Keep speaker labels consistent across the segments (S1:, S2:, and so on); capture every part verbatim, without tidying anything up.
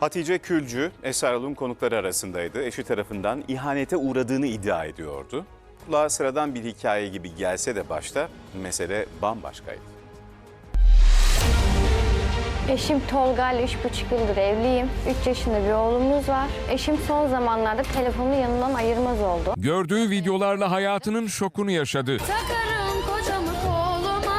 S1: Hatice Külcü, Esra Erol'un konukları arasındaydı. Eşi tarafından ihanete uğradığını iddia ediyordu. Kulağa sıradan bir hikaye gibi gelse de başta mesele bambaşkaydı.
S2: Eşim Tolga ile üç buçuk yıldır evliyim. Üç yaşında bir oğlumuz var. Eşim son zamanlarda telefonunu yanından ayırmaz oldu.
S3: Gördüğü videolarla hayatının şokunu yaşadı.
S4: Takarım kocamı koluma,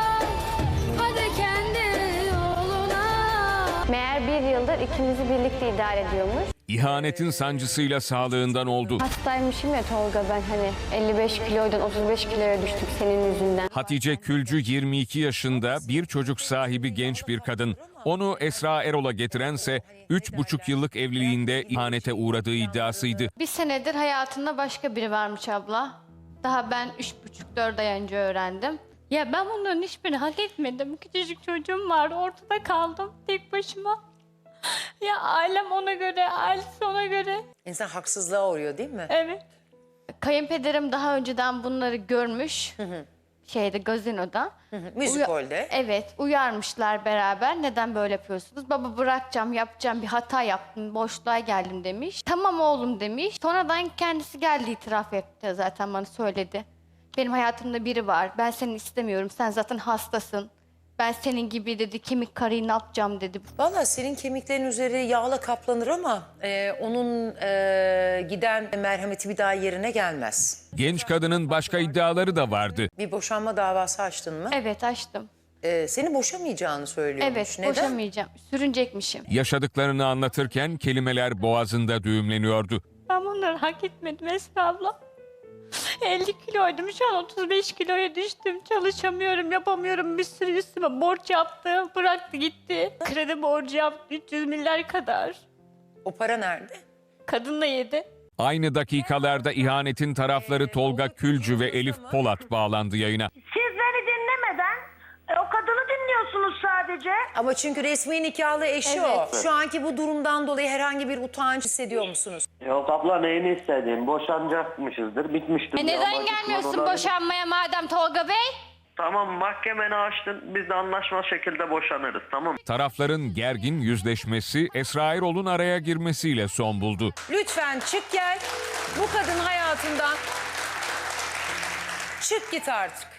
S4: hadi kendi yoluna.
S2: Meğer bir yıldır ikimizi birlikte idare ediyormuş.
S3: İhanetin sancısıyla sağlığından oldu.
S2: Hastaymışım ya Tolga, ben hani elli beş kiloydan otuz beş kiloya düştük senin yüzünden.
S3: Hatice Külcü yirmi iki yaşında, bir çocuk sahibi genç bir kadın. Onu Esra Erol'a getirense üç buçuk yıllık evliliğinde ihanete uğradığı iddiasıydı.
S5: Bir senedir hayatında başka biri varmış abla. Daha ben üç buçuk dört ay önce öğrendim. Ya ben bunların hiçbirini hak etmedim. Küçücük çocuğum vardı, ortada kaldım tek başıma. Ya ailem ona göre, ailesi ona göre.
S6: İnsan haksızlığa uğruyor değil mi?
S5: Evet. Kayınpederim daha önceden bunları görmüş. Şeyde, gazinoda.
S6: Müzikolde.
S5: Evet, uyarmışlar beraber. Neden böyle yapıyorsunuz? Baba bırakacağım, yapacağım, bir hata yaptım, boşluğa geldim demiş. Tamam oğlum demiş. Sonradan kendisi geldi, itiraf etti, zaten bana söyledi. Benim hayatımda biri var, ben seni istemiyorum, sen zaten hastasın. Ben senin gibi dedi, kemik karıyı ne yapacağım dedi.
S6: Valla senin kemiklerin üzeri yağla kaplanır ama e, onun e, giden merhameti bir daha yerine gelmez.
S3: Genç kadının başka iddiaları da vardı.
S6: Bir boşanma davası açtın mı?
S5: Evet, açtım.
S6: E, seni boşamayacağını söylüyormuş.
S5: Evet,
S6: Neden?
S5: boşamayacağım, sürünecekmişim.
S3: Yaşadıklarını anlatırken kelimeler boğazında düğümleniyordu.
S5: Ben bunları hak etmedim Esra abla. elli kiloydum, şu an otuz beş kiloya düştüm. Çalışamıyorum, yapamıyorum. Bir sürü üstüme borç yaptı, bıraktı gitti. Kredi borcu yaptı, üç yüz milyar kadar.
S6: O para nerede?
S5: Kadın da yedi.
S3: Aynı dakikalarda ihanetin tarafları Tolga Külcü ve Elif Polat bağlandı yayına.
S7: Siz beni dinlemeden e, o kadını dinliyorsunuz sadece.
S6: Ama çünkü resmi nikahlı eşi
S5: Evet.
S6: o. Şu anki bu durumdan dolayı herhangi bir utanç hissediyor musunuz?
S8: Yok abla, neyini istediğim? Boşanacakmışızdır, bitmiştir.
S5: E neden
S8: Amacım
S5: gelmiyorsun
S8: olabilir.
S5: boşanmaya madem Tolga Bey?
S8: Tamam, mahkemeni açtın, biz de anlaşma şekilde boşanırız, tamam.
S3: Tarafların gergin yüzleşmesi Esra Erol'un araya girmesiyle son buldu.
S6: Lütfen çık gel. Bu kadın hayatından çık git artık.